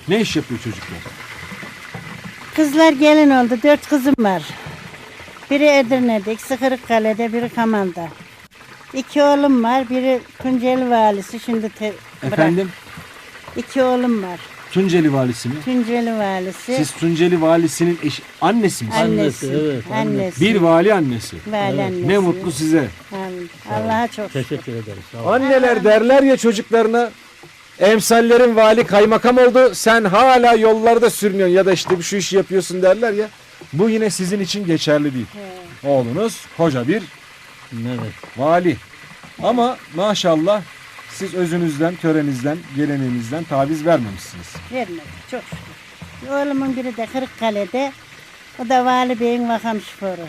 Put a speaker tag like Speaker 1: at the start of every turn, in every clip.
Speaker 1: Ne iş yapıyor çocuklar?
Speaker 2: Kızlar gelin oldu. 4 kızım var. Biri Edirne'de, ikisi Kırıkkale'de, biri Kaman'da. 2 oğlum var. Biri Tunceli valisi. Şimdi
Speaker 1: Efendim?
Speaker 2: 2 oğlum var.
Speaker 1: Tunceli valisi mi?
Speaker 2: Tunceli valisi.
Speaker 1: Siz Tunceli valisinin annesi misiniz?
Speaker 2: Annesi.
Speaker 3: evet,
Speaker 2: Annesi.
Speaker 1: Bir vali annesi.
Speaker 2: Vali annesi.
Speaker 1: Ne mutlu size.
Speaker 2: Allah'a çok şükür.
Speaker 3: Teşekkür ederiz. Sağ olun.
Speaker 1: Anneler derler ya çocuklarına, emsallerin vali kaymakam oldu, sen hala yollarda sürünüyorsun ya da işte şu işi yapıyorsun derler ya. Bu yine sizin için geçerli değil. Oğlunuz koca bir
Speaker 3: Evet.
Speaker 1: vali. Ama maşallah siz özünüzden, törenizden, geleneğinizden taviz vermemişsiniz.
Speaker 2: Vermedi. Çok şükür. Oğlumun biri de Kırıkkale'de. O da Vali Bey'in makam şoförü.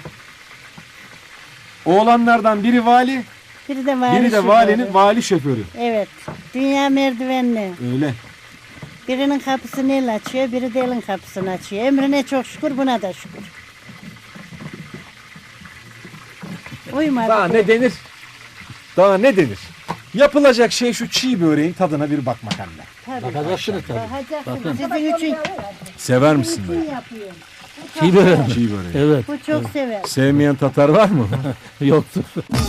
Speaker 1: Oğlanlardan biri vali,
Speaker 2: Biri de vali
Speaker 1: biri de
Speaker 2: şoförü.
Speaker 1: valinin vali şoförü.
Speaker 2: Evet. Dünya merdivenli.
Speaker 1: Öyle.
Speaker 2: Birinin kapısını el açıyor, biri de elin kapısını açıyor. Emrine çok şükür, buna da şükür. Uyumadı.
Speaker 1: Daha ne denir? Daha ne denir? Yapılacak şey şu çiğ böreğin tadına bir bakmak anne.
Speaker 2: Tabii.
Speaker 3: Bakacaksınız tabii.
Speaker 2: Bakacaksın. Sizin için
Speaker 1: Sever misin
Speaker 2: kim
Speaker 1: böyle?
Speaker 2: yapıyor?
Speaker 3: Çiğ böreği.
Speaker 1: Çiğ böreği.
Speaker 3: Evet.
Speaker 2: Bu çok sever.
Speaker 1: Sevmeyen Tatar var mı?
Speaker 3: Yoktur.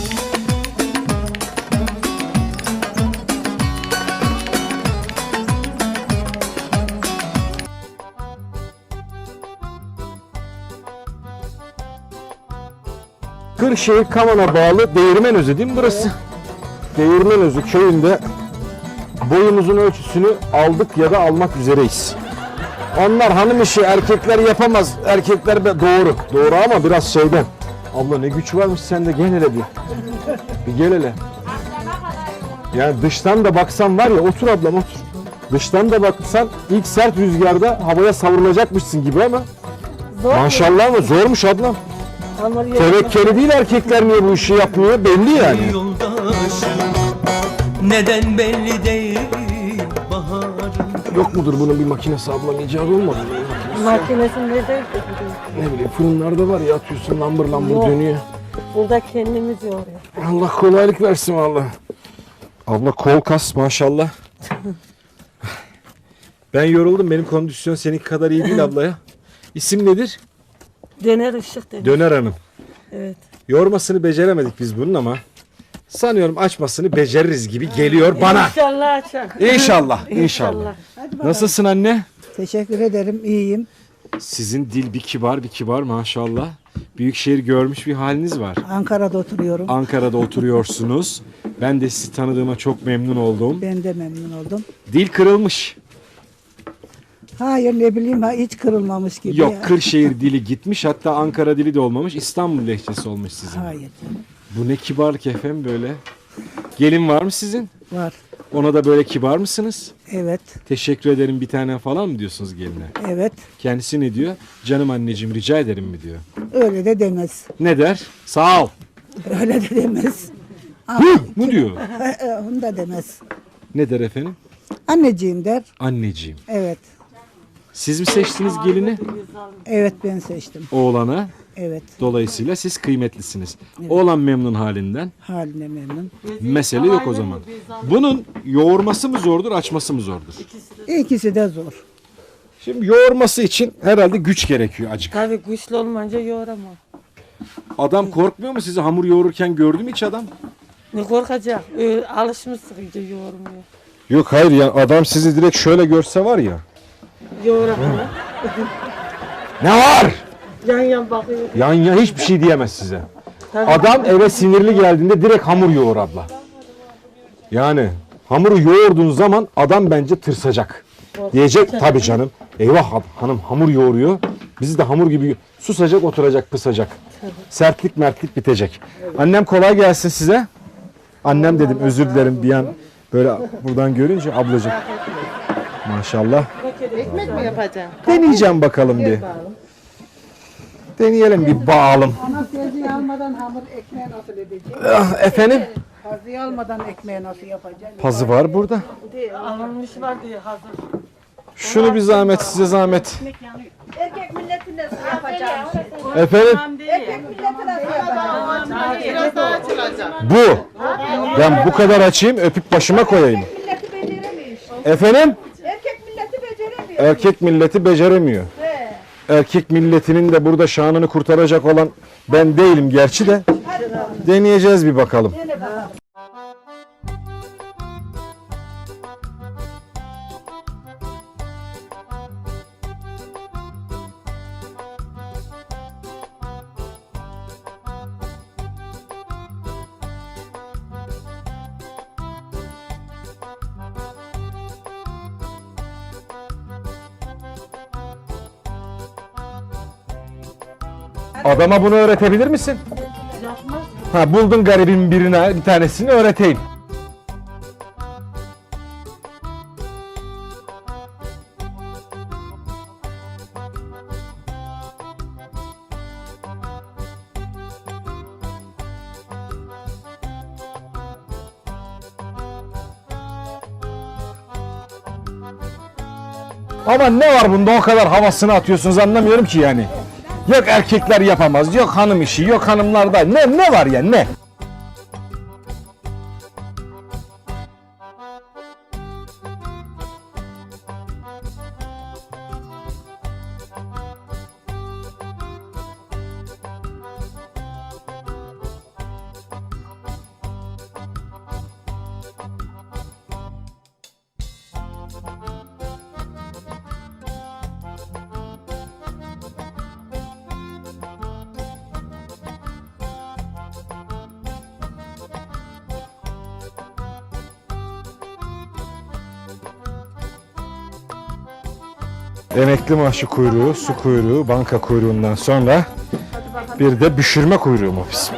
Speaker 1: Kırşehir Kaman'a bağlı Değirmenözü değil mi burası? Değirmenözü köyünde boyumuzun ölçüsünü aldık ya da almak üzereyiz. Onlar hanım işi, erkekler yapamaz. Erkekler doğru. Doğru ama biraz şeyden. Abla ne güç varmış sende, gel hele bir. Bir gel hele. Yani dıştan da baksan var ya, otur ablam otur. Dıştan da baksan ilk sert rüzgarda havaya savrulacakmışsın gibi ama. Maşallah ama zormuş ablam. Tevekkeli değil, erkekler niye bu işi yapmıyor belli yani.
Speaker 4: Yoldaşım neden belli değil baharım.
Speaker 1: Yok mudur bunun bir makinesi ablam, icat olmadı mı?
Speaker 5: Makinesini nerede?
Speaker 1: Ne bileyim fırınlarda var ya, atıyorsun lambır lambır
Speaker 5: Yok.
Speaker 1: dönüyor.
Speaker 5: Burada kendimiz yoruyor.
Speaker 1: Allah kolaylık versin valla. Abla kol kas maşallah. Ben yoruldum, benim kondisyon seninki kadar iyi değil abla ya. İsim nedir?
Speaker 5: Döner ışık dedi.
Speaker 1: Döner Hanım.
Speaker 5: Evet.
Speaker 1: Yormasını beceremedik biz bunun ama sanıyorum açmasını beceririz gibi geliyor bana.
Speaker 5: İnşallah açar.
Speaker 1: İnşallah, inşallah. Nasılsın anne?
Speaker 6: Teşekkür ederim, iyiyim.
Speaker 1: Sizin dil bir kibar maşallah. Büyükşehir görmüş bir haliniz var.
Speaker 6: Ankara'da oturuyorum.
Speaker 1: Ankara'da oturuyorsunuz. Ben de sizi tanıdığıma çok memnun oldum.
Speaker 6: Ben de memnun oldum.
Speaker 1: Dil kırılmış.
Speaker 6: Hayır ne bileyim, hiç kırılmamış gibi.
Speaker 1: Yok,
Speaker 6: ya.
Speaker 1: Kırşehir dili gitmiş, hatta Ankara dili de olmamış, İstanbul lehçesi olmuş sizin.
Speaker 6: Hayır canım,
Speaker 1: Bu ne kibarlık efendim böyle. Gelin var mı sizin?
Speaker 6: var.
Speaker 1: Ona da böyle kibar mısınız?
Speaker 6: Evet,
Speaker 1: Teşekkür ederim bir tane falan mı diyorsunuz geline?
Speaker 6: evet.
Speaker 1: Kendisi ne diyor? Canım anneciğim rica ederim mi diyor.
Speaker 6: Öyle de demez.
Speaker 1: Ne der? Sağ ol.
Speaker 6: Öyle de demez.
Speaker 1: Hı mı diyor?
Speaker 6: Onu da demez.
Speaker 1: Ne der efendim?
Speaker 6: Anneciğim der.
Speaker 1: Anneciğim.
Speaker 6: Evet.
Speaker 1: Siz mi seçtiniz gelini?
Speaker 6: Evet ben seçtim.
Speaker 1: Oğlana.
Speaker 6: Evet.
Speaker 1: Dolayısıyla siz kıymetlisiniz. Oğlan memnun halinden.
Speaker 6: Haline memnun.
Speaker 1: Mesele yok o zaman. Bunun yoğurması mı zordur, açması mı zordur?
Speaker 6: İkisi de zor.
Speaker 1: Şimdi yoğurması için herhalde güç gerekiyor acık.
Speaker 5: Tabii güçlü olmayınca yoğuramam.
Speaker 1: Adam korkmuyor mu sizi hamur yoğururken, gördü mü hiç adam?
Speaker 5: Ne korkacak? Öyle alışmışsın iyice yoğurmuyor.
Speaker 1: Yok hayır ya, adam sizi direkt şöyle görse var ya.
Speaker 5: Yoğuramam.
Speaker 1: Ne var?
Speaker 5: Yan bakıyor.
Speaker 1: Yan ya hiçbir şey diyemez size.
Speaker 5: Tabii.
Speaker 1: Adam eve sinirli geldiğinde direkt hamur yoğur abla. Yani hamuru yoğurduğun zaman adam bence tırsacak. Diyecek tabii canım. Eyvah hanım hamur yoğuruyor. Bizi de hamur gibi susacak, oturacak, pısacak. Sertlik mertlik bitecek. Annem kolay gelsin size. Annem dedim, özür dilerim bir an böyle buradan görünce ablacık. Maşallah.
Speaker 5: Ekmek mi yapacaksın?
Speaker 1: Deneyeceğim bakalım bir. Deneyelim bir bağalım.
Speaker 6: Ana tezgahı almadan hamur ekmeği nasıl edecek?
Speaker 1: Efendim?
Speaker 6: Tezgahı almadan ekmeği nasıl yapacak?
Speaker 1: Pazı var burada.
Speaker 5: Alınmış var diye hazır.
Speaker 1: Şunu bir zahmet, size zahmet.
Speaker 7: Erkek milleti nasıl yapacağım?
Speaker 1: Efendim?
Speaker 7: Erkek milleti nasıl yapacağım?
Speaker 5: Biraz daha açılacak.
Speaker 1: Bu. Ben bu kadar açayım, öpüp başıma koyayım.
Speaker 7: Milleti beceremiyor.
Speaker 1: Efendim?
Speaker 7: Erkek milleti beceremiyor.
Speaker 1: Erkek milleti beceremiyor. Erkek milletinin de burada şanını kurtaracak olan ben değilim gerçi de. Deneyeceğiz bir bakalım. Adama bunu öğretebilir misin? Ha, buldun garibin birine bir tanesini öğreteyim. Ama ne var bunda o kadar havasını atıyorsunuz anlamıyorum ki yani. Yok erkekler yapamaz, yok hanım işi, yok hanımlarda. Ne var ya ne? Emekli maaşı kuyruğu, su kuyruğu, banka kuyruğundan sonra bir de büşürme kuyruğu mu bizim?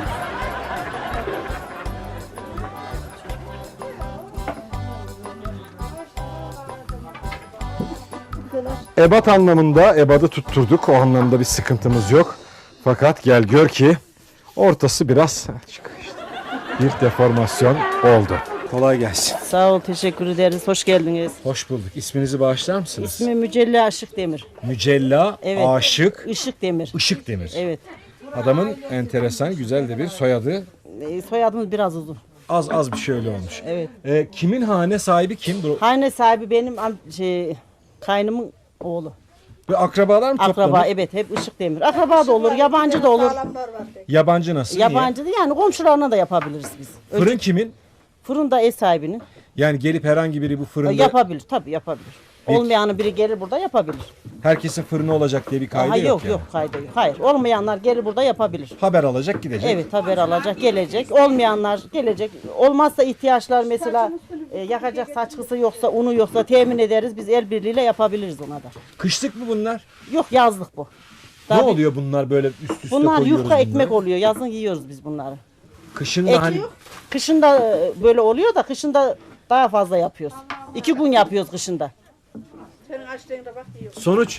Speaker 1: Ebat anlamında ebadı tutturduk. O anlamda bir sıkıntımız yok. Fakat gel gör ki ortası biraz bir deformasyon oldu. Kolay gelsin.
Speaker 8: Sağ ol, teşekkür ederiz. Hoş geldiniz.
Speaker 1: Hoş bulduk. İsminizi bağışlar mısınız?
Speaker 8: İsmim Mücella Aşık Demir.
Speaker 1: Mücella
Speaker 8: Evet.
Speaker 1: Aşık
Speaker 8: Işık Demir.
Speaker 1: Işık Demir.
Speaker 8: Evet.
Speaker 1: Adamın enteresan, güzel de bir soyadı.
Speaker 8: Soyadımız biraz uzun.
Speaker 1: Az bir şey öyle olmuş.
Speaker 8: Evet.
Speaker 1: Kimin hane sahibi kim?
Speaker 8: Hane sahibi benim kaynımın oğlu.
Speaker 1: Ve akrabalar mı
Speaker 8: Akraba,
Speaker 1: toplanır?
Speaker 8: evet, hep Işık Demir. Akraba da olur, yabancı da olur.
Speaker 1: Yabancı nasıl?
Speaker 8: Yabancı da yani komşularına da yapabiliriz biz.
Speaker 1: Niye? Fırın kimin?
Speaker 8: Fırın da ev sahibinin.
Speaker 1: Yani gelip herhangi biri bu fırında
Speaker 8: Yapabilir, tabii yapabilir. Olmayanı biri gelir burada yapabilir.
Speaker 1: herkesin fırını olacak diye bir kaydı yok yani.
Speaker 8: Yok kaydı yok. Hayır, olmayanlar gelir burada yapabilir.
Speaker 1: Haber alacak gidecek.
Speaker 8: Evet, haber alacak, gelecek. Olmayanlar gelecek. Olmazsa ihtiyaçlar mesela yakacak saçkısı yoksa, unu yoksa temin ederiz. Biz el birliğiyle yapabiliriz ona da.
Speaker 1: Kışlık mı bunlar?
Speaker 8: Yok, yazlık bu.
Speaker 1: Ne
Speaker 8: Tabii.
Speaker 1: oluyor bunlar böyle üst üste
Speaker 8: Bunlar
Speaker 1: koyuyoruz
Speaker 8: yufka ekmek
Speaker 1: bunları?
Speaker 8: oluyor. Yazın yiyoruz biz bunları.
Speaker 1: Kışın da hani
Speaker 8: Kışın da böyle oluyor da kışın da daha fazla yapıyoruz. 2 gün yapıyoruz kışında.
Speaker 7: Senin açtığında bak diyor.
Speaker 1: sonuç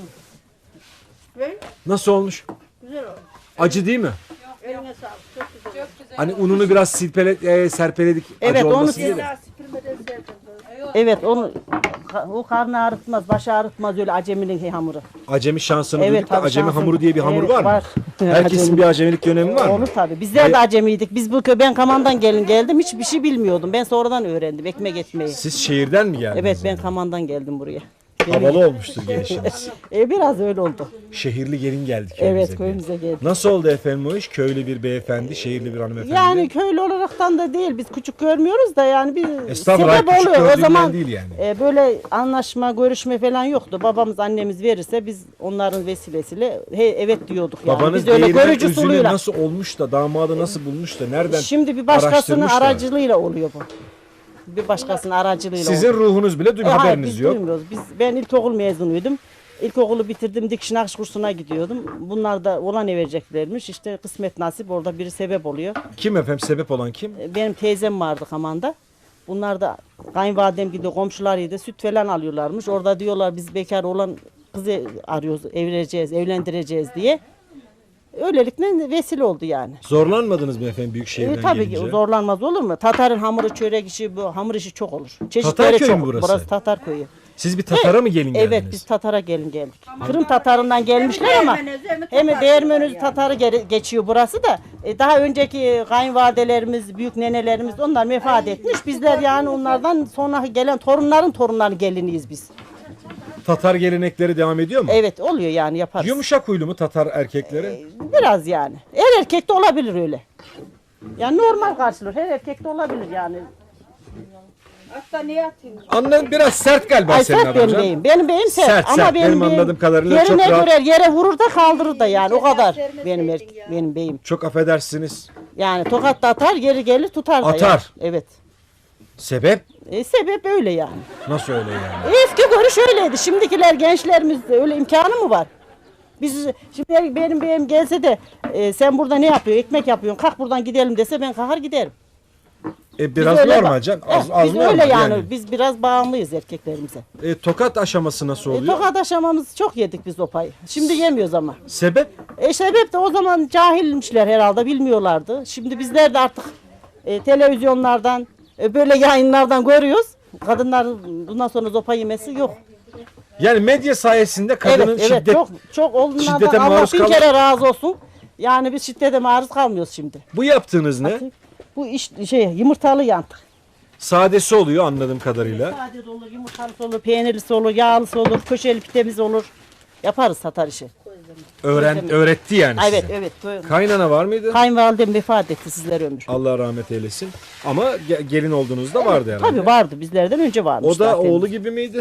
Speaker 7: Böyle
Speaker 1: nasıl olmuş?
Speaker 7: güzel oldu.
Speaker 1: Acı değil mi?
Speaker 7: Eline sağlık. Çok güzel.
Speaker 1: Hani ununu biraz serpeledik.
Speaker 8: Evet,
Speaker 1: acı
Speaker 8: onu
Speaker 1: olmasın diye de.
Speaker 7: Daha süpürmeden sevdim.
Speaker 8: Evet, o karnı ağrıtmaz, başı ağrıtmaz öyle aceminin hamuru.
Speaker 1: Acemi şansını
Speaker 8: Evet,
Speaker 1: duyduk da
Speaker 8: tabii
Speaker 1: acemi
Speaker 8: şansım.
Speaker 1: hamuru diye bir hamur
Speaker 8: Evet,
Speaker 1: var mı?
Speaker 8: var.
Speaker 1: Herkesin
Speaker 8: Acemi.
Speaker 1: bir acemilik dönemi var mı?
Speaker 8: Olur tabii. Bizler de acemiydik. Biz ben Kaman'dan geldim. Hiçbir şey bilmiyordum. Ben sonradan öğrendim ekmek etmeyi.
Speaker 1: Siz şehirden mi geldiniz?
Speaker 8: Evet, ben
Speaker 1: yani?
Speaker 8: Kaman'dan geldim buraya.
Speaker 1: Havalı olmuştur gelişiniz.
Speaker 8: Biraz öyle oldu.
Speaker 1: Şehirli gelin geldi köyümüze.
Speaker 8: Evet, köyümüze geldik.
Speaker 1: Nasıl oldu efendim o iş? Köylü bir beyefendi, şehirli bir hanımefendi.
Speaker 8: Yani köylü olaraktan da değil. Biz küçük görmüyoruz da yani bir
Speaker 1: Estağfurullah,
Speaker 8: sebep
Speaker 1: küçük
Speaker 8: oluyor. O
Speaker 1: gördüğümden
Speaker 8: zaman
Speaker 1: değil yani.
Speaker 8: Böyle anlaşma, görüşme falan yoktu. Babamız, annemiz verirse biz onların vesilesiyle evet diyorduk yani.
Speaker 1: Babanız
Speaker 8: Biz öyle
Speaker 1: değirmen
Speaker 8: görücü
Speaker 1: üzümü
Speaker 8: suluyla.
Speaker 1: nasıl olmuş da damadı nasıl bulmuş da nereden
Speaker 8: Şimdi bir başkasının
Speaker 1: araştırmış da?
Speaker 8: aracılığıyla oluyor bu. Bir başkasının aracılığıyla
Speaker 1: Sizin
Speaker 8: oluyor.
Speaker 1: ruhunuz bile
Speaker 8: Hayır,
Speaker 1: haberiniz
Speaker 8: biz
Speaker 1: yok.
Speaker 8: duymuyoruz. Ben ilkokul mezunuydum. İlkokulu bitirdim, dikiş nakış kursuna gidiyordum. Bunlar da olan vereceklermiş. İşte kısmet nasip orada biri sebep oluyor.
Speaker 1: Kim efendim? Sebep olan kim?
Speaker 8: Benim teyzem vardı Kaman'da. Bunlar da kayınvalidem gidiyor, komşularıydı. Süt falan alıyorlarmış. Orada diyorlar biz bekar olan kızı arıyoruz, evlendireceğiz diye. Öylelikle vesile oldu yani.
Speaker 1: Zorlanmadınız mı efendim büyük şehirden
Speaker 8: Tabii
Speaker 1: gelince?
Speaker 8: ki zorlanmaz olur mu? Tatar'ın hamuru, çörek işi, bu hamur işi çok olur. Çeşitleri
Speaker 1: Tatarköy
Speaker 8: çok.
Speaker 1: mü burası?
Speaker 8: Burası Tatar köyü.
Speaker 1: Siz bir Tatar'a mı gelin geldiniz?
Speaker 8: Evet, biz Tatar'a geldik. Kırım Tatar'ından gelmişler ama
Speaker 7: Değirmenözü,
Speaker 8: hem
Speaker 7: Tatar
Speaker 8: Değirmenözü
Speaker 7: yani.
Speaker 8: Tatar'ı geçiyor burası da. Daha önceki kayınvalidelerimiz, büyük nenelerimiz onlar vefat etmiş. Bizler yani onlardan sonra gelen torunların torunları geliniyiz biz.
Speaker 1: Tatar gelenekleri devam ediyor mu?
Speaker 8: Evet oluyor yani yaparız.
Speaker 1: Yumuşak huylu mu Tatar erkekleri?
Speaker 8: Biraz yani. Her erkekte olabilir öyle. Yani normal karşılıyor. Her erkekte olabilir yani.
Speaker 7: Hatta niye atayım?
Speaker 1: Annen biraz sert galiba
Speaker 8: Ay
Speaker 1: senin
Speaker 8: sert benim
Speaker 1: adamcan.
Speaker 8: beyim. Benim beyim sert.
Speaker 1: Sert,
Speaker 8: Ama
Speaker 1: sert. Benim
Speaker 8: beyim
Speaker 1: anladığım kadarıyla
Speaker 8: yerine
Speaker 1: çok rahat.
Speaker 8: göre yere vurur da kaldırır da yani o kadar benim beyim.
Speaker 1: Çok affedersiniz.
Speaker 8: Yani tokat da atar geri gelir tutar da.
Speaker 1: Atar.
Speaker 8: Yani. Evet.
Speaker 1: Sebep?
Speaker 8: Sebep öyle yani.
Speaker 1: Nasıl öyle yani?
Speaker 8: Eski görüş öyleydi. Şimdikiler gençlerimizde öyle imkanı mı var? Biz şimdi benim beyim gelse de sen burada ne yapıyorsun? Ekmek yapıyorsun. Kalk buradan gidelim dese ben kalkar giderim.
Speaker 1: Biraz
Speaker 8: öyle
Speaker 1: normal canım. Az
Speaker 8: biz
Speaker 1: normal
Speaker 8: öyle yani. Biz biraz bağımlıyız erkeklerimize.
Speaker 1: Tokat aşaması nasıl oluyor?
Speaker 8: Tokat aşamamız çok yedik biz o payı. Şimdi yemiyoruz ama.
Speaker 1: Sebep?
Speaker 8: Sebep de o zaman cahilmişler herhalde bilmiyorlardı. Şimdi bizler de artık televizyonlardan böyle yayınlardan görüyoruz. Kadınların bundan sonra zopa yemesi yok.
Speaker 1: Yani medya sayesinde kadının
Speaker 8: Evet
Speaker 1: şiddet...
Speaker 8: çok onlardan
Speaker 1: şiddete
Speaker 8: Allah
Speaker 1: maruz
Speaker 8: bin
Speaker 1: kal-
Speaker 8: kere razı olsun. Yani biz şiddete maruz kalmıyoruz şimdi.
Speaker 1: Bu yaptığınız ne?
Speaker 8: Bu iş yumurtalı yantık.
Speaker 1: Sadesi oluyor anladığım kadarıyla.
Speaker 8: Sade de olur, yumurtalısı olur, peynirlisi olur, yağlısı olur, köşeli pidemiz olur. Yaparız satar işi.
Speaker 1: Öğretti yani size.
Speaker 8: Evet.
Speaker 1: Kaynana var mıydı?
Speaker 8: Kayınvalidem vefat etti sizler ömür.
Speaker 1: Allah rahmet eylesin. Ama gelin olduğunuzda vardı herhalde.
Speaker 8: Tabii vardı bizlerden önce varmış
Speaker 1: O da
Speaker 8: zaten.
Speaker 1: oğlu gibi miydi?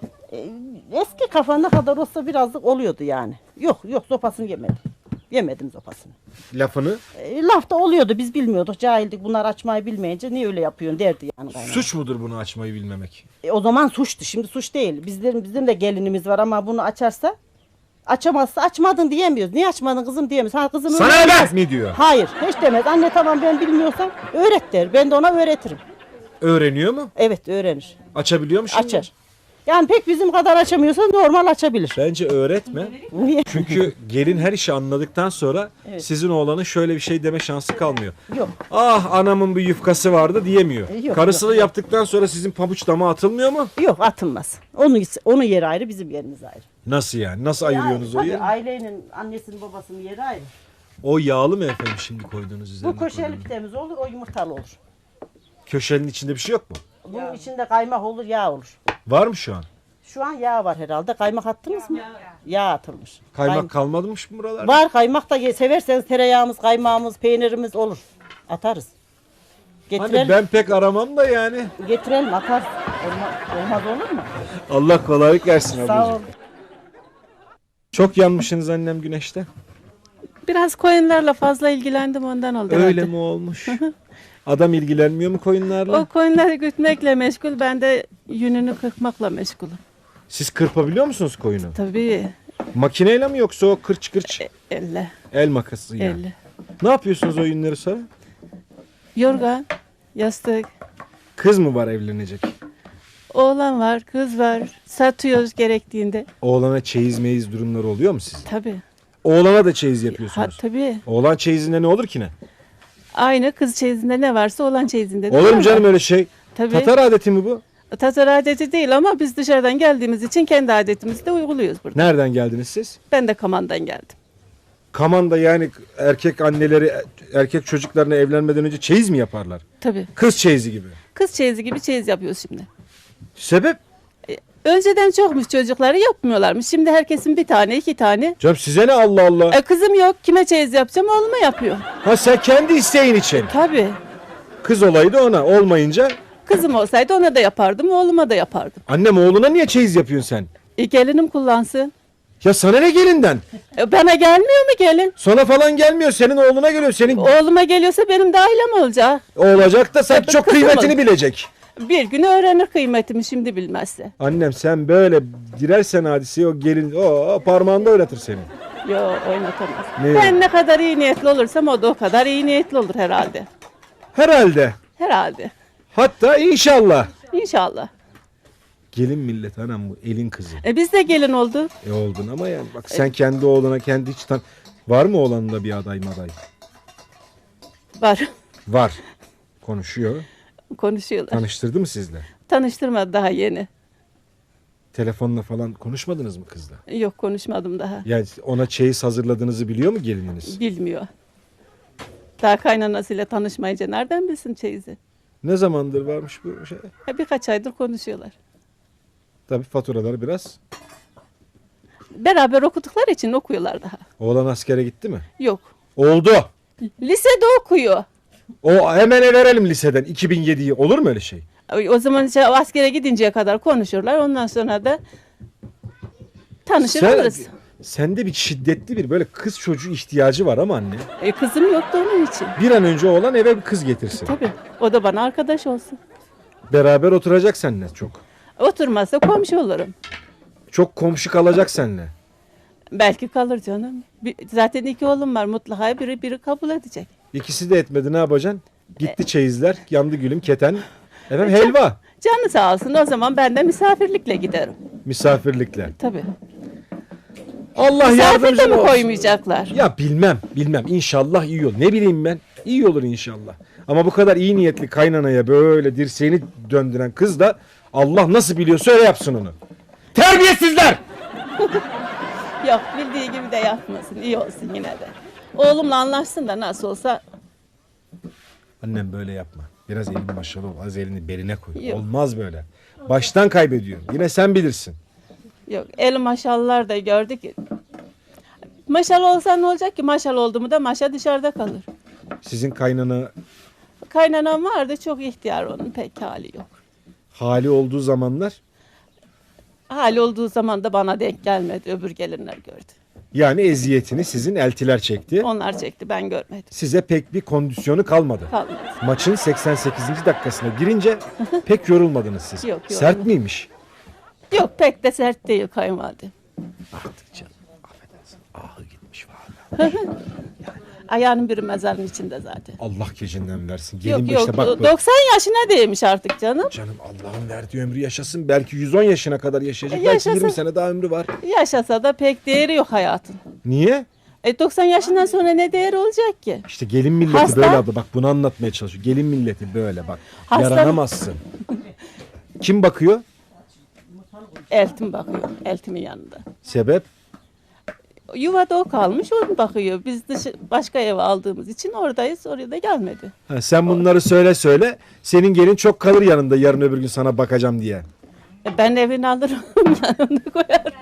Speaker 8: Eski kafanda kadar olsa birazcık oluyordu yani. Yok sopasını yemedim. Yemedim sopasını.
Speaker 1: Lafını.
Speaker 8: Lafta oluyordu biz bilmiyorduk cahildik bunlar açmayı bilmeyince niye öyle yapıyorsun derdi yani kaynana.
Speaker 1: Suç mudur bunu açmayı bilmemek?
Speaker 8: O zaman suçtu şimdi suç değil. Bizim de gelinimiz var ama bunu açarsa açamazsa açmadın diyemiyoruz. Niye açmadın kızım diyemiyoruz. Ha, kızım
Speaker 1: Sana
Speaker 8: öğrenmez
Speaker 1: mi diyor?
Speaker 8: Hayır hiç demez. Anne tamam ben bilmiyorsam öğret der. Ben de ona öğretirim.
Speaker 1: Öğreniyor mu?
Speaker 8: Evet öğrenir.
Speaker 1: Açabiliyor mu şimdi?
Speaker 8: Açar. Yani pek bizim kadar açamıyorsa normal açabilir.
Speaker 1: Bence öğretme.
Speaker 8: Niye?
Speaker 1: Çünkü gelin her işi anladıktan sonra sizin oğlanın şöyle bir şey deme şansı kalmıyor.
Speaker 8: Yok.
Speaker 1: Ah anamın bir yufkası vardı diyemiyor.
Speaker 8: Yok,
Speaker 1: Karısını yaptıktan sonra sizin pabuç dama atılmıyor mu?
Speaker 8: Yok atılmaz. Onun yeri ayrı bizim yerimiz ayrı.
Speaker 1: Nasıl yani? Nasıl ayırıyorsunuz o
Speaker 8: Tabii
Speaker 1: yeri?
Speaker 8: ailenin annesinin babasının yeri ayrı.
Speaker 1: O yağlı mı efendim şimdi koyduğunuz üzerine?
Speaker 8: Bu köşeli
Speaker 1: koyduğunuz?
Speaker 8: pidemiz olur o yumurtalı olur.
Speaker 1: Köşenin içinde bir şey yok mu?
Speaker 8: Bunun içinde kaymak olur yağ olur.
Speaker 1: Var mı şu an?
Speaker 8: Şu an yağ var herhalde. Kaymak attınız mı? Yağ atılmış.
Speaker 1: Kaymak kalmadımış mı buralarda?
Speaker 8: Var kaymak da severseniz tereyağımız, kaymağımız, peynirimiz olur. Atarız. Getirelim.
Speaker 1: Hani ben pek aramam da yani.
Speaker 8: Getirelim atarız. Olmaz olur mu?
Speaker 1: Allah kolaylık versin
Speaker 8: Sağ
Speaker 1: ablacığım.
Speaker 8: ol.
Speaker 1: Çok yanmışsınız annem güneşte.
Speaker 5: Biraz koyunlarla fazla ilgilendim ondan oldu
Speaker 1: Öyle
Speaker 5: herhalde.
Speaker 1: mi olmuş? Adam ilgilenmiyor mu koyunlarla?
Speaker 5: O koyunları gütmekle meşgul, ben de yününü kırpmakla meşgulüm.
Speaker 1: Siz kırpabiliyor musunuz koyunu?
Speaker 5: Tabii
Speaker 1: Makineyle mi yoksa o kırç kırç
Speaker 5: elle,
Speaker 1: el makası yani?
Speaker 5: elle.
Speaker 1: Ne yapıyorsunuz o yünleri sonra?
Speaker 5: Yorgan, yastık,
Speaker 1: Kız mı var evlenecek?
Speaker 5: oğlan var, kız var. Satıyoruz gerektiğinde.
Speaker 1: Oğlana çeyiz meyiz durumları oluyor mu sizin?
Speaker 5: Tabii.
Speaker 1: Oğlana da çeyiz
Speaker 5: Ha,
Speaker 1: yapıyorsunuz.
Speaker 5: tabii.
Speaker 1: Oğlan çeyizinde ne olur ki ne?
Speaker 5: Aynı kız çeyizinde ne varsa oğlan çeyizinde de
Speaker 1: Olur mu
Speaker 5: var.
Speaker 1: canım öyle şey?
Speaker 5: Tabii.
Speaker 1: Tatar adeti mi bu?
Speaker 5: Tatar adeti değil ama biz dışarıdan geldiğimiz için kendi adetimizi de uyguluyoruz burada.
Speaker 1: Nereden geldiniz siz?
Speaker 5: Ben de Kaman'dan geldim.
Speaker 1: Kaman'da yani erkek anneleri erkek çocuklarına evlenmeden önce çeyiz mi yaparlar?
Speaker 5: Tabii.
Speaker 1: Kız çeyizi gibi.
Speaker 5: Kız çeyizi gibi çeyiz yapıyoruz şimdi.
Speaker 1: Sebep?
Speaker 5: Önceden çokmuş çocukları yapmıyorlarmış. Şimdi herkesin bir tane, iki tane.
Speaker 1: Canım size ne Allah Allah.
Speaker 5: Kızım yok. Kime çeyiz yapacağım? Oğluma yapıyor.
Speaker 1: Ha sen kendi isteğin için.
Speaker 5: Tabii.
Speaker 1: Kız olaydı ona olmayınca.
Speaker 5: Kızım olsaydı ona da yapardım, oğluma da yapardım.
Speaker 1: Annem oğluna niye çeyiz yapıyorsun sen?
Speaker 5: Gelinim kullansın.
Speaker 1: Ya sana ne gelinden?
Speaker 5: Bana gelmiyor mu gelin?
Speaker 1: Sana falan gelmiyor. Senin oğluna geliyor. Senin
Speaker 5: Oğluma geliyorsa benim de ailem olacak.
Speaker 1: olacak da sen çok
Speaker 5: kızım
Speaker 1: kıymetini
Speaker 5: olur.
Speaker 1: bilecek.
Speaker 5: Bir gün öğrenir kıymetimi şimdi bilmezse.
Speaker 1: Annem sen böyle girersen hadiseye o gelin o parmağında oynatır seni.
Speaker 5: Yok oynatamaz.
Speaker 1: Ne?
Speaker 5: Ben ne kadar iyi niyetli olursam o da o kadar iyi niyetli olur herhalde.
Speaker 1: Herhalde.
Speaker 5: Herhalde.
Speaker 1: Hatta inşallah.
Speaker 5: İnşallah.
Speaker 1: Gelin millet anam bu elin kızı.
Speaker 5: Biz de gelin olduk.
Speaker 1: Oldun ama yani bak sen kendi oğluna kendi hiç var mı oğlanında bir aday maday?
Speaker 5: Var.
Speaker 1: Var. Konuşuyor.
Speaker 5: Konuşuyorlar.
Speaker 1: Tanıştırdı mı sizle?
Speaker 5: Tanıştırmadı daha yeni.
Speaker 1: Telefonla falan konuşmadınız mı kızla?
Speaker 5: Yok konuşmadım daha.
Speaker 1: Yani ona çeyiz hazırladığınızı biliyor mu gelininiz?
Speaker 5: Bilmiyor. Daha kaynanasıyla tanışmayınca nereden bilsin çeyizi?
Speaker 1: Ne zamandır varmış bu şey?
Speaker 5: Birkaç aydır konuşuyorlar.
Speaker 1: Tabii faturalar biraz
Speaker 5: Beraber okudukları için okuyorlar daha.
Speaker 1: Oğlan askere gitti mi?
Speaker 5: Yok.
Speaker 1: Oldu.
Speaker 5: Lisede okuyor.
Speaker 1: O hemen verelim liseden 2007'yi. Olur mu öyle şey?
Speaker 5: O zaman işte askere gidinceye kadar konuşurlar. Ondan sonra da tanışır oluruz.
Speaker 1: Sende bir şiddetli bir böyle kız çocuğu ihtiyacı var ama anne.
Speaker 5: Kızım yoktu onun için.
Speaker 1: Bir an önce oğlan eve bir kız getirsin.
Speaker 5: Tabii. O da bana arkadaş olsun.
Speaker 1: Beraber oturacak seninle çok.
Speaker 5: Oturmazsa komşu olurum.
Speaker 1: Çok komşu kalacak seninle.
Speaker 5: Belki kalır canım. Zaten 2 oğlum var. Mutlaka biri kabul edecek.
Speaker 1: İkisi de etmedi, ne yapacaksın? Gitti çeyizler, yandı gülüm, keten. Efendim helva.
Speaker 5: Canı sağ olsun. O zaman ben de misafirlikle giderim.
Speaker 1: Misafirlikle.
Speaker 5: Tabii.
Speaker 1: Allah
Speaker 5: Misafir de
Speaker 1: yardımcın
Speaker 5: mi
Speaker 1: olsun.
Speaker 5: koymayacaklar?
Speaker 1: Ya bilmem. İnşallah iyi olur. Ne bileyim ben. İyi olur inşallah. Ama bu kadar iyi niyetli kaynanaya böyle dirseğini döndüren kız da Allah nasıl biliyorsa öyle yapsın onu. Terbiyesizler!
Speaker 5: Yok, bildiği gibi de yapmasın. İyi olsun yine de. Oğlumla anlaşsın da nasıl olsa.
Speaker 1: Annem böyle yapma. Biraz elini maşalı ol. Az elini beline koy.
Speaker 5: Yok.
Speaker 1: Olmaz böyle. Baştan kaybediyorum. Yine sen bilirsin.
Speaker 5: Yok, el maşallar da gördük. Maşal olsa ne olacak ki? Maşal oldu mu da maşa dışarıda kalır.
Speaker 1: Sizin kaynana
Speaker 5: Kaynanam vardı, çok ihtiyar, onun pek hali yok.
Speaker 1: hali olduğu zamanlar,
Speaker 5: Hali olduğu zaman da bana denk gelmedi. Öbür gelinler gördü.
Speaker 1: yani eziyetini sizin eltiler çekti.
Speaker 5: Onlar çekti, ben görmedim.
Speaker 1: Size pek bir kondisyonu kalmadı.
Speaker 5: Kalmadı.
Speaker 1: Maçın 88. dakikasına girince pek yorulmadınız siz.
Speaker 5: Yok,
Speaker 1: Sert
Speaker 5: yorulmadım.
Speaker 1: miymiş?
Speaker 5: Yok, pek de sert değil kayınvalidem.
Speaker 1: Artık canım, affedersin. Ahı gitmiş falan.
Speaker 5: Ayağının biri mezarın içinde zaten.
Speaker 1: Allah gecinden versin. Gelin
Speaker 5: Yok
Speaker 1: bu
Speaker 5: yok,
Speaker 1: işte bak.
Speaker 5: 90 yaşına değmiş artık canım.
Speaker 1: Canım Allah'ın verdiği ömrü yaşasın. Belki 110 yaşına kadar yaşayacak. Belki
Speaker 5: Yaşasın.
Speaker 1: 20 sene daha ömrü var.
Speaker 5: Yaşasa da pek değeri yok hayatın.
Speaker 1: Niye?
Speaker 5: 90 yaşından sonra ne değeri olacak ki?
Speaker 1: İşte gelin milleti
Speaker 5: Hasta.
Speaker 1: böyle abla. Bak bunu anlatmaya çalışıyor. Gelin milleti böyle bak.
Speaker 5: Hasta.
Speaker 1: Yaranamazsın. Kim bakıyor?
Speaker 5: Eltim bakıyor, eltimin yanında.
Speaker 1: Sebep?
Speaker 5: Yuvada o kalmış, o bakıyor. Biz başka eve aldığımız için oradayız, oraya da gelmedi.
Speaker 1: Ha, sen bunları söyle. Senin gelin çok kalır yanında yarın öbür gün sana bakacağım diye.
Speaker 5: Ben evini alırım, yanına koyarım.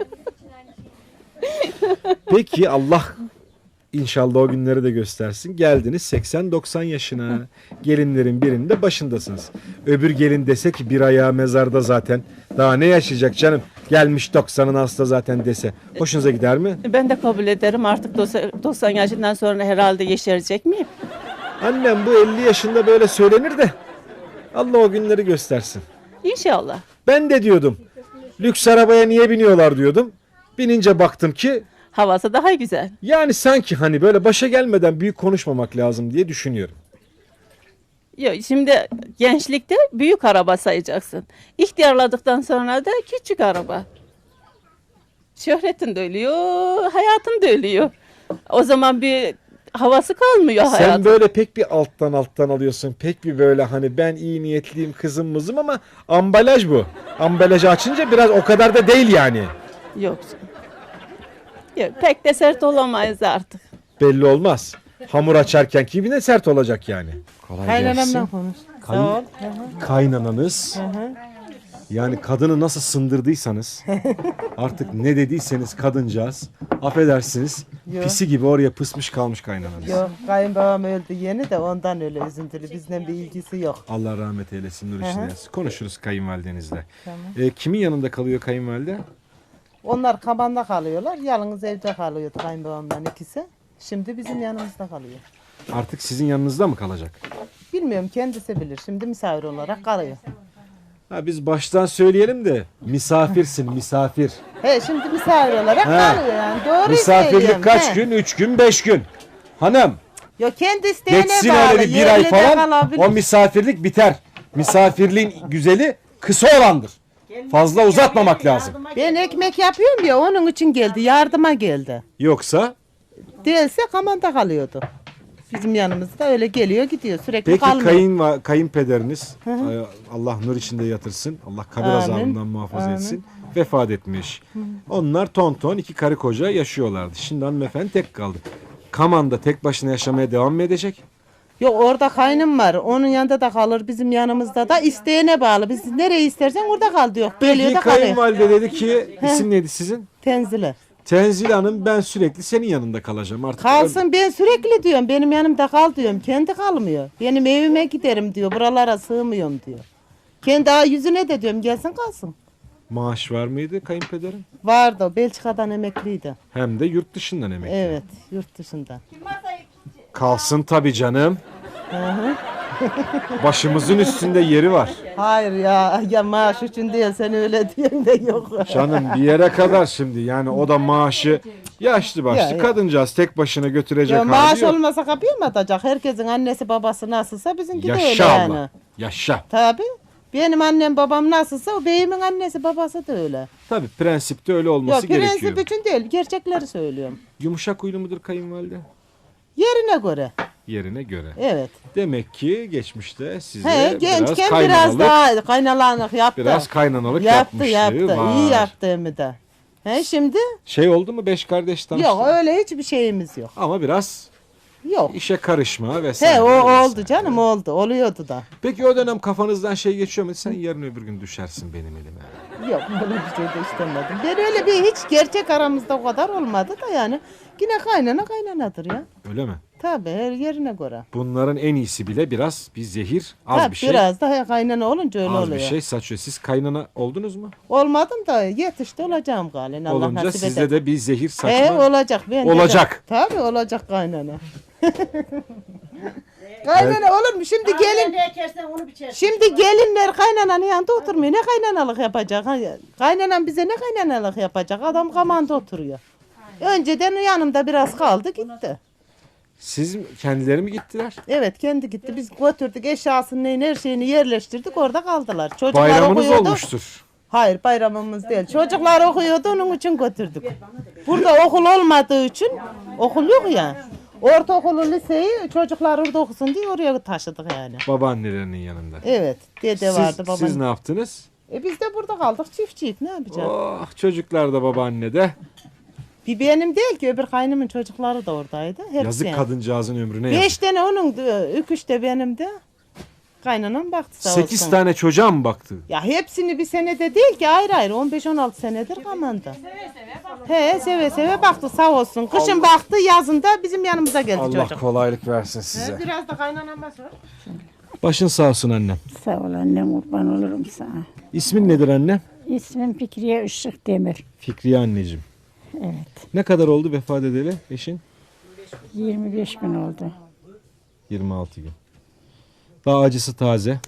Speaker 1: Peki Allah inşallah o günleri de göstersin. Geldiniz 80-90 yaşına. Gelinlerin birinde başındasınız. Öbür gelin dese ki bir ayağı mezarda zaten. Daha ne yaşayacak canım? Gelmiş 90'ın hasta zaten dese. Hoşunuza gider mi?
Speaker 5: Ben de kabul ederim, artık 90 yaşından sonra herhalde yeşerecek miyim?
Speaker 1: Annem bu 50 yaşında böyle söylenir de Allah o günleri göstersin.
Speaker 5: İnşallah.
Speaker 1: Ben de diyordum. Lüks arabaya niye biniyorlar diyordum. Binince baktım ki
Speaker 5: Havası daha güzel.
Speaker 1: yani sanki hani böyle başa gelmeden büyük konuşmamak lazım diye düşünüyorum.
Speaker 5: Yok, şimdi gençlikte büyük araba sayacaksın. İhtiyarladıktan sonra da küçük araba. Şöhretin de ölüyor, hayatın da ölüyor. O zaman bir havası kalmıyor
Speaker 1: Sen
Speaker 5: hayatın.
Speaker 1: böyle pek bir alttan alıyorsun. Pek bir böyle hani ben iyi niyetliyim kızım mızım ama ambalaj bu. Ambalajı açınca biraz o kadar da değil yani.
Speaker 5: Yok canım. Yok, pek de sert olamayız artık.
Speaker 1: Belli olmaz. Hamur açarken gibi de sert olacak yani. Kolay
Speaker 8: Kaynanamla konuş. Sağ ol.
Speaker 1: Kaynananız yani kadını nasıl sındırdıysanız artık ne dediyseniz kadıncağız affedersiniz
Speaker 8: Yok.
Speaker 1: pisi gibi oraya pısmış kalmış kaynananız.
Speaker 8: Yok, kayınbabam öldü yeni de ondan öyle üzüntülü. Bizden bir ilgisi yok.
Speaker 1: Allah rahmet eylesin nur içinde yatsın. Konuşuruz kayınvalidenizle.
Speaker 8: Tamam.
Speaker 1: Kimin yanında kalıyor kayınvalide?
Speaker 8: Onlar Kaman'da kalıyorlar. Yalnız evde kalıyordu kayınbabamdan ikisi. Şimdi bizim yanımızda kalıyor.
Speaker 1: Artık sizin yanınızda mı kalacak?
Speaker 8: Bilmiyorum, kendisi bilir. Şimdi misafir olarak kalıyor.
Speaker 1: Ha, biz baştan söyleyelim de misafirsin misafir.
Speaker 8: He, şimdi misafir olarak
Speaker 1: Ha.
Speaker 8: kalıyor yani. Doğru
Speaker 1: Misafirlik
Speaker 8: söylüyorum,
Speaker 1: kaç
Speaker 8: he.
Speaker 1: gün? 3 gün 5 gün. Hanım
Speaker 8: Yok, kendi isteğine
Speaker 1: geçsin
Speaker 8: bağlı.
Speaker 1: öyle bir ay
Speaker 8: Yerine de
Speaker 1: falan
Speaker 8: kalabilir.
Speaker 1: o misafirlik biter. Misafirliğin güzeli kısa olandır. Fazla uzatmamak lazım.
Speaker 8: Ben ekmek yapıyorum ya, onun için geldi. Yardıma geldi.
Speaker 1: Yoksa
Speaker 8: Değilse Kaman'da kalıyordu. Bizim yanımızda öyle geliyor gidiyor. Sürekli
Speaker 1: peki
Speaker 8: kalmıyor.
Speaker 1: kayınpederiniz Allah nur içinde yatırsın. Allah kabir
Speaker 8: Amin.
Speaker 1: azabından muhafaza
Speaker 8: Amin.
Speaker 1: etsin. Vefat etmiş. Onlar ton iki karı koca yaşıyorlardı. Şimdi hanımefendi tek kaldı. Kaman'da tek başına yaşamaya devam mı edecek?
Speaker 8: Yok, orada kaynım var. Onun yanında da kalır. Bizim yanımızda da isteğine bağlı. Biz nereye istersen orada kal diyor. Geliyor
Speaker 1: Peki
Speaker 8: da kalıyor.
Speaker 1: kayınvalide dedi ki isim neydi sizin?
Speaker 8: Tenzile.
Speaker 1: Tenzile Hanım ben sürekli senin yanında kalacağım artık.
Speaker 9: Kalsın, ben sürekli diyorum benim yanımda kal diyorum. Kendi kalmıyor. Benim evime giderim diyor. Buralara sığmıyorum diyor. Kendi yüzüne de diyorum gelsin kalsın.
Speaker 1: Maaş var mıydı kayınpederin?
Speaker 9: Vardı o, Belçika'dan emekliydi.
Speaker 1: Hem de yurt dışından emekli.
Speaker 9: Evet, yurt dışından.
Speaker 1: Kalsın tabii canım. Başımızın üstünde yeri var.
Speaker 9: Hayır ya maaş için değil, sen öyle diyorsun da yok.
Speaker 1: Canım bir yere kadar şimdi yani o da maaşı yaşlı başlı
Speaker 9: Ya.
Speaker 1: kadıncağız tek başına götürecek
Speaker 9: Ya
Speaker 1: hali
Speaker 9: maaş
Speaker 1: yok.
Speaker 9: olmasa kapıya mı atacak? Herkesin annesi babası nasılsa bizimki de öyle
Speaker 1: Yaşa
Speaker 9: yani.
Speaker 1: Allah. Yaşa.
Speaker 9: Tabii. Benim annem babam nasılsa o beyimin annesi babası da öyle.
Speaker 1: Tabii prensipte öyle olması
Speaker 9: Yok
Speaker 1: gerekiyor.
Speaker 9: prensip için değil, gerçekleri söylüyorum.
Speaker 1: Yumuşak huylu mudur kayınvalide?
Speaker 9: Yerine göre.
Speaker 1: Yerine göre.
Speaker 9: Evet.
Speaker 1: Demek ki geçmişte size
Speaker 9: He,
Speaker 1: biraz
Speaker 9: gençken
Speaker 1: kaynanalık,
Speaker 9: biraz daha kaynanalık yaptı.
Speaker 1: biraz kaynanalık
Speaker 9: yaptı.
Speaker 1: yapmışlığı var.
Speaker 9: İyi yaptı hem de. He şimdi?
Speaker 1: Şey oldu mu 5 kardeş tanıştı?
Speaker 9: Yok öyle hiçbir şeyimiz yok.
Speaker 1: Ama biraz
Speaker 9: Yok.
Speaker 1: işe karışma vesaire.
Speaker 9: He o
Speaker 1: vesaire.
Speaker 9: oldu canım oldu. Oluyordu da.
Speaker 1: Peki o dönem kafanızdan şey geçiyor mu? Sen yarın öbür gün düşersin benim elime.
Speaker 9: Yok böyle bir şey de istemedim. Ben öyle bir hiç gerçek aramızda o kadar olmadı da yani. Yine kaynana kaynanadır ya.
Speaker 1: Öyle mi?
Speaker 9: Tabii her yerine göre.
Speaker 1: Bunların en iyisi bile biraz bir zehir, az
Speaker 9: Tabii
Speaker 1: bir şey.
Speaker 9: biraz daha kaynana olunca öyle
Speaker 1: Az
Speaker 9: oluyor.
Speaker 1: bir şey saçıyor. Siz kaynana oldunuz mu?
Speaker 9: Olmadım da yetişti olacağım galiba. Allah
Speaker 1: Olunca
Speaker 9: nasip
Speaker 1: sizde
Speaker 9: eder.
Speaker 1: de bir zehir saçma.
Speaker 9: He olacak. Ben de-
Speaker 1: Olacak.
Speaker 9: Tabii olacak kaynana. Kaynana olur mu? Şimdi gelinler kaynananın yanında oturmuyor. Ne kaynanalık yapacak? Kaynanan bize ne kaynanalık yapacak? Adam kamanda oturuyor. Önceden yanımda biraz kaldı gitti.
Speaker 1: Siz kendileri mi gittiler?
Speaker 9: Evet kendi gitti. Biz götürdük eşyasını her şeyini yerleştirdik orada kaldılar. Çocuklar
Speaker 1: Bayramınız
Speaker 9: okuyordu.
Speaker 1: olmuştur.
Speaker 9: Hayır bayramımız değil. Çocuklar okuyordu onun için götürdük. Burada okul olmadığı için okul yok ya. Ortaokulu liseyi çocuklar orada okusun diye oraya taşıdık yani.
Speaker 1: Babaannelerinin yanında.
Speaker 9: Evet dede vardı babam.
Speaker 1: Siz ne yaptınız?
Speaker 9: Biz de burada kaldık çiftçiyik ne yapacağız?
Speaker 1: Oh, çocuklar da babaannede.
Speaker 9: Bir benim değil ki öbür kaynımın çocukları da oradaydı. Hepsi
Speaker 1: Yazık
Speaker 9: yani.
Speaker 1: kadıncağızın ömrüne yazık.
Speaker 9: 5 tane onun, 3 de benim de. Kaynanam baktı sağ
Speaker 1: 8
Speaker 9: olsun.
Speaker 1: tane çocuğa mı baktı?
Speaker 9: Ya hepsini bir senede değil ki ayrı ayrı 15-16 senedir kamanda. He seve seve baktı sağ olsun. Kışın baktı yazında bizim yanımıza geldi
Speaker 1: Allah
Speaker 9: çocuk.
Speaker 1: kolaylık versin size.
Speaker 9: Biraz da kaynanam var.
Speaker 1: Başın sağ olsun annem.
Speaker 2: Sağ ol annem, kurban olurum sana.
Speaker 1: İsmin nedir anne?
Speaker 2: İsmim Fikriye Işık Demir.
Speaker 1: Fikriye anneciğim.
Speaker 2: Evet.
Speaker 1: Ne kadar oldu vefat edeli eşin?
Speaker 2: 25 gün oldu.
Speaker 1: 26 gün. Daha acısı taze.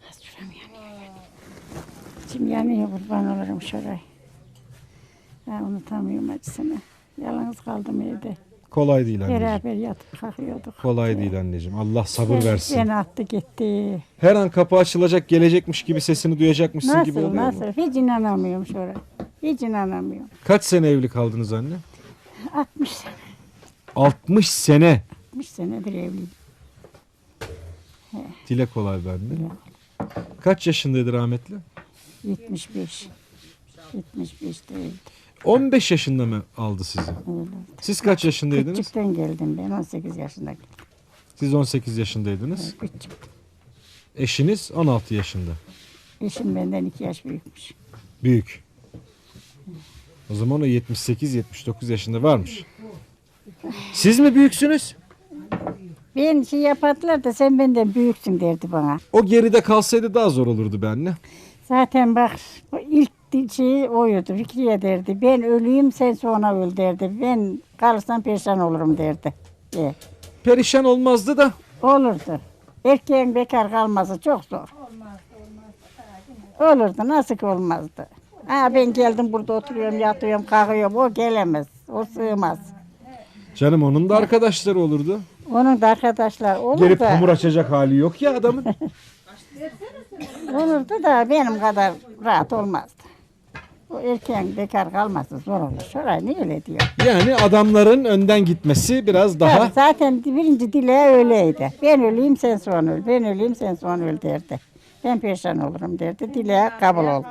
Speaker 2: İçim yanıyor, kurban olurum şuraya. Ben unutamıyorum acısını. Yalnız kaldım evde.
Speaker 1: Kolay değil anneciğim.
Speaker 2: Beraber yatıp kalkıyorduk.
Speaker 1: Kolay değil anneciğim. Allah sabır versin.
Speaker 2: Beni attı gitti.
Speaker 1: Her an kapı açılacak, gelecekmiş gibi sesini duyacakmışsın gibi
Speaker 2: Nasıl
Speaker 1: oluyor mu?
Speaker 2: nasıl? Hiç inanamıyorum şuraya. Hiç inanamıyorum.
Speaker 1: Kaç sene evli kaldınız anne?
Speaker 2: 60 sene.
Speaker 1: 60 sene.
Speaker 2: 60 senedir evliyim.
Speaker 1: Dile kolay bende. Kaç yaşındaydı rahmetli?
Speaker 2: 75. 75 değildi.
Speaker 1: 15 yaşında mı aldı sizi?
Speaker 2: Öyle.
Speaker 1: Siz kaç yaşındaydınız?
Speaker 2: Küçükten geldim ben 18 yaşında.
Speaker 1: Siz 18 yaşındaydınız.
Speaker 2: Küçük.
Speaker 1: Eşiniz 16 yaşında.
Speaker 2: Eşim benden 2 yaş büyükmüş.
Speaker 1: Büyük. O zaman o 78-79 yaşında varmış. Siz mi büyüksünüz?
Speaker 2: Ben şey yapardılar da sen benden büyüksün derdi bana.
Speaker 1: O geride kalsaydı daha zor olurdu be anne.
Speaker 2: Zaten bak o ilk şeyi oydu. Fikriye derdi. Ben öleyim sen sonra öl derdi. Ben kalırsam perişan olurum derdi.
Speaker 1: Perişan olmazdı da.
Speaker 2: Olurdu. Erkeğin bekar kalması çok zor. Olurdu. Nasıl ki olmazdı. Ha, ben geldim burada oturuyorum, yatıyorum, kalkıyorum. O gelemez. O sığmaz.
Speaker 1: Canım onun da arkadaşları olurdu.
Speaker 2: Onun da arkadaşlar olur
Speaker 1: Gelip
Speaker 2: da.
Speaker 1: hamur açacak hali yok ya adamın.
Speaker 2: Olurdu da benim kadar rahat olmazdı. O erkeğin bekar kalması zor olur. Şuraya niye öyle diyor?
Speaker 1: Yani adamların önden gitmesi biraz daha...
Speaker 2: Tabii zaten birinci dile öyleydi. Ben öleyim sen sonra öl. Ben öleyim sen sonra öl derdi. Ben perişan olurum derdi. Dile kabul oldu.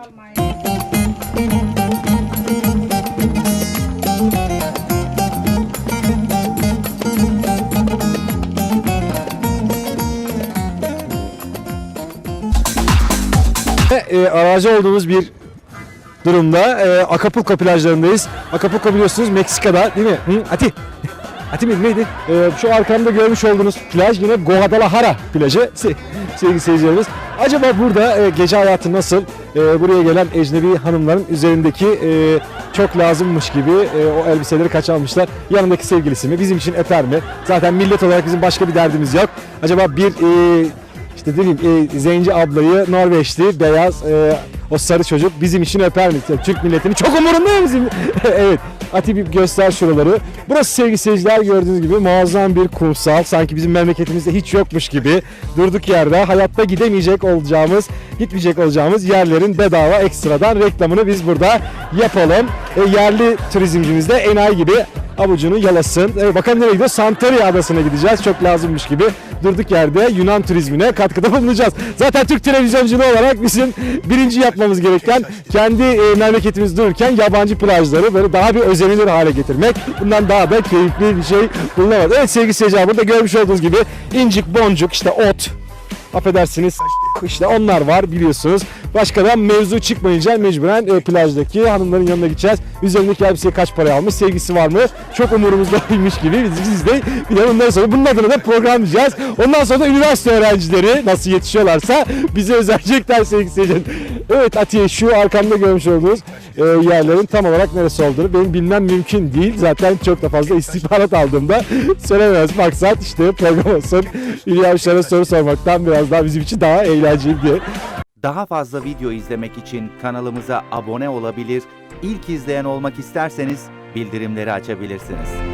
Speaker 1: Arazi olduğumuz bir durumda. Acapulco plajlarındayız. Acapulco biliyorsunuz Meksika'da değil mi? Hı? Ati miydi neydi? Şu arkamda görmüş olduğunuz plaj yine Guadalajara plajı sevgili seyircilerimiz. Acaba burada gece hayatı nasıl? Buraya gelen ecnebi hanımların üzerindeki çok lazımmış gibi o elbiseleri kaç almışlar? Yanındaki sevgilisi mi? Bizim için eter mi? Zaten millet olarak bizim başka bir derdimiz yok. Acaba bir işte diyeyim zenci ablayı Norveçli, beyaz o sarı çocuk bizim için öper mi? Yani Türk milletini çok umurunda mı bizim? Evet. Ati bir göster şuraları. Burası sevgili seyirciler gördüğünüz gibi muazzam bir kumsal. Sanki bizim memleketimizde hiç yokmuş gibi. Durduk yerde hayatta gitmeyecek olacağımız yerlerin bedava ekstradan reklamını biz burada yapalım. Yerli turizmcimiz de enayi gibi avucunu yalasın. Bakalım nereye gidiyor? Santorini adasına gideceğiz. Çok lazımmış gibi. Durduk yerde Yunan turizmine katkıda bulunacağız. Zaten Türk televizyonculuğu olarak bizim birinci yapmamız gereken kendi memleketimiz dururken yabancı plajları böyle daha bir özenilir hale getirmek. Bundan daha da keyifli bir şey bulunamaz. Evet sevgili seyirciler, burada görmüş olduğunuz gibi incik boncuk işte ot, affedersiniz işte onlar var biliyorsunuz. Başkadan mevzu çıkmayınca mecburen plajdaki hanımların yanına gideceğiz. Üzerindeki elbiseyi kaç paraya almış, sevgisi var mı? Çok umurumuzdaymış gibi biz de bir de bundan sonra bunun adına da programlayacağız. Ondan sonra da üniversite öğrencileri nasıl yetişiyorlarsa bize özelecekler sevgili seyirciler. Evet Atiye, şu arkamda görmüş olduğunuz yerlerin tam olarak neresi olduğunu benim bilmem mümkün değil. Zaten çok da fazla istihbarat aldığımda söylemez. Maksat işte program olsun. Hülya Avşar'a soru sormaktan biraz daha bizim için daha eğlenceli diye.
Speaker 10: Daha fazla video izlemek için kanalımıza abone olabilir, ilk izleyen olmak isterseniz bildirimleri açabilirsiniz.